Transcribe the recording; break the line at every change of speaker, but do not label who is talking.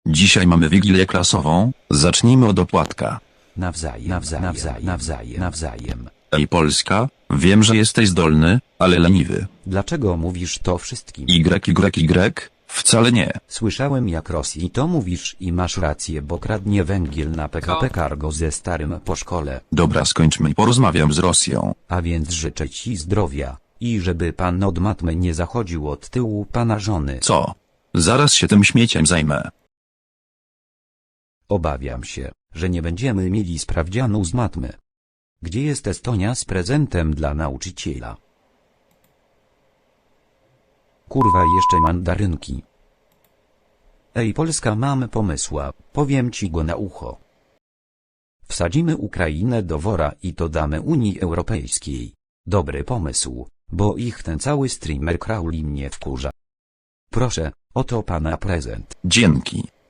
Dzisiaj mamy wigilię klasową, zacznijmy od opłatka.
Nawzajem.
Ej Polska, wiem, że jesteś zdolny, ale leniwy.
Dlaczego mówisz to wszystkim?
Y, wcale nie.
Słyszałem jak Rosji to mówisz i masz rację, bo kradnie węgiel na PKP Cargo ze starym po szkole.
Dobra, skończmy i porozmawiam z Rosją.
A więc życzę ci zdrowia i żeby pan od matmy nie zachodził od tyłu pana żony.
Co? Zaraz się tym śmieciem zajmę.
Obawiam się, że nie będziemy mieli sprawdzianu z matmy. Gdzie jest Estonia z prezentem dla nauczyciela? Kurwa, jeszcze mandarynki. Ej Polska, mamy pomysła, powiem ci go na ucho. Wsadzimy Ukrainę do wora i to damy Unii Europejskiej. Dobry pomysł, bo ich ten cały streamer Crowley mnie wkurza. Proszę, oto pana prezent.
Dzięki.